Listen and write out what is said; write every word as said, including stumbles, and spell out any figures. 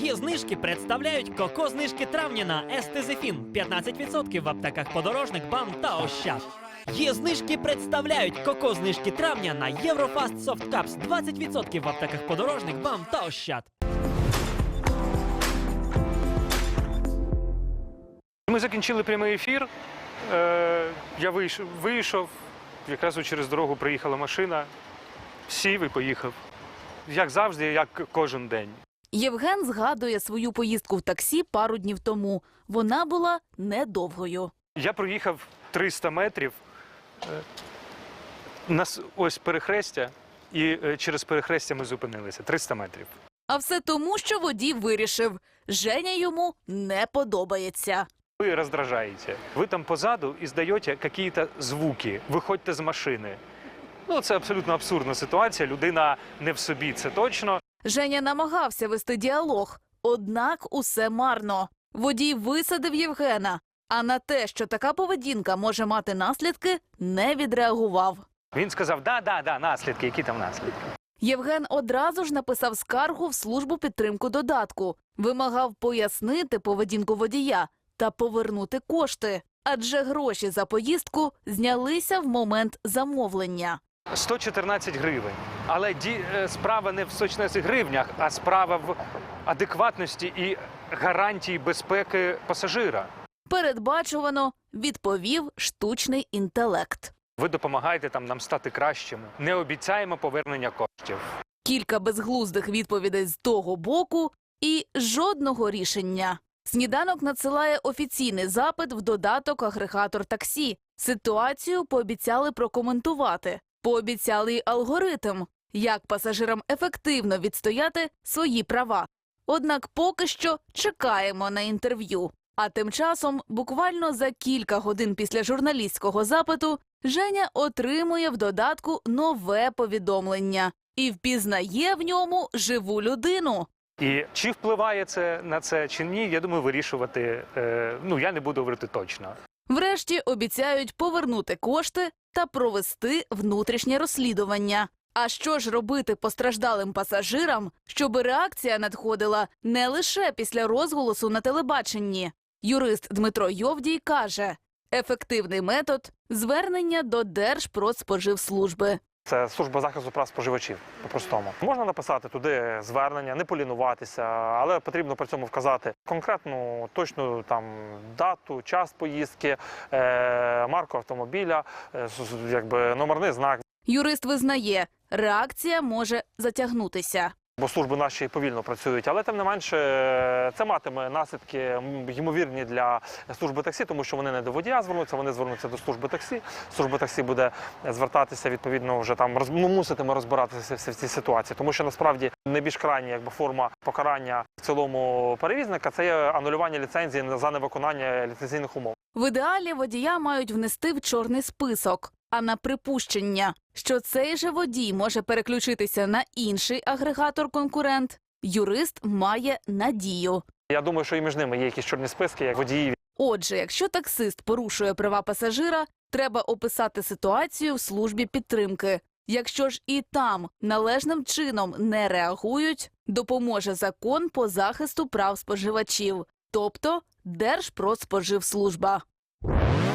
Є знижки представляють коко-знижки травня на Естезефін п'ятнадцять відсотків в аптеках Подорожник, БАМ та Ощад. Є знижки представляють коко-знижки травня на Єврофаст Софт Капс двадцять відсотків в аптеках Подорожник, БАМ та Ощад. Ми закінчили прямий ефір. Е, я вийшов, вийшов, якраз через дорогу приїхала машина, сів і поїхав. Як завжди, як кожен день. Євген згадує свою поїздку в таксі пару днів тому. Вона була недовгою. Я проїхав триста метрів, е, нас ось перехрестя, і е, через перехрестя ми зупинилися. триста метрів. А все тому, що водій вирішив – Женя йому не подобається. Ви роздражаєте. Ви там позаду і здаєте якісь звуки. Виходьте з машини. Ну, це абсолютно абсурдна ситуація. Людина не в собі, це точно. Женя намагався вести діалог, однак усе марно. Водій висадив Євгена, а на те, що така поведінка може мати наслідки, не відреагував. Він сказав, да, да, да, наслідки, які там наслідки. Євген одразу ж написав скаргу в службу підтримку додатку. Вимагав пояснити поведінку водія та повернути кошти. Адже гроші за поїздку знялися в момент замовлення. сто чотирнадцять гривень. Але ді... справа не в сто чотирнадцяти гривнях, а справа в адекватності і гарантії безпеки пасажира. Передбачувано, відповів штучний інтелект. Ви допомагаєте там нам стати кращими. Не обіцяємо повернення коштів. Кілька безглуздих відповідей з того боку і жодного рішення. Сніданок надсилає офіційний запит в додаток агрегатор таксі. Ситуацію пообіцяли прокоментувати. Пообіцяли й алгоритм, як пасажирам ефективно відстояти свої права. Однак поки що чекаємо на інтерв'ю. А тим часом, буквально за кілька годин після журналістського запиту, Женя отримує в додатку нове повідомлення і впізнає в ньому живу людину. І чи впливає це на це, чи ні, я думаю, вирішувати, е, ну, я не буду говорити точно. Врешті обіцяють повернути кошти та провести внутрішнє розслідування. А що ж робити постраждалим пасажирам, щоб реакція надходила не лише після розголосу на телебаченні? Юрист Дмитро Йовдій каже, ефективний метод – звернення до Держпродспоживслужби. Це служба захисту прав споживачів, по-простому. Можна написати туди звернення, не полінуватися, але потрібно при цьому вказати конкретну, точну там дату, час поїздки, е, марку автомобіля, е, якби номерний знак. Юрист визнає, реакція може затягнутися. Бо служби наші повільно працюють, але тим не менше це матиме наслідки ймовірні для служби таксі, тому що вони не до водія звернуться, вони звернуться до служби таксі. Служба таксі буде звертатися, відповідно, вже там роз... ну, муситиме розбиратися в цій ситуації, тому що насправді найбільш крайня якби форма покарання в цілому перевізника це є анулювання ліцензії за невиконання ліцензійних умов. В ідеалі водія мають внести в чорний список. А на припущення, що цей же водій може переключитися на інший агрегатор-конкурент, юрист має надію. Я думаю, що і між ними є якісь чорні списки, як водіїв. Отже, якщо таксист порушує права пасажира, треба описати ситуацію в службі підтримки. Якщо ж і там належним чином не реагують, допоможе закон по захисту прав споживачів, тобто Держпродспоживслужба.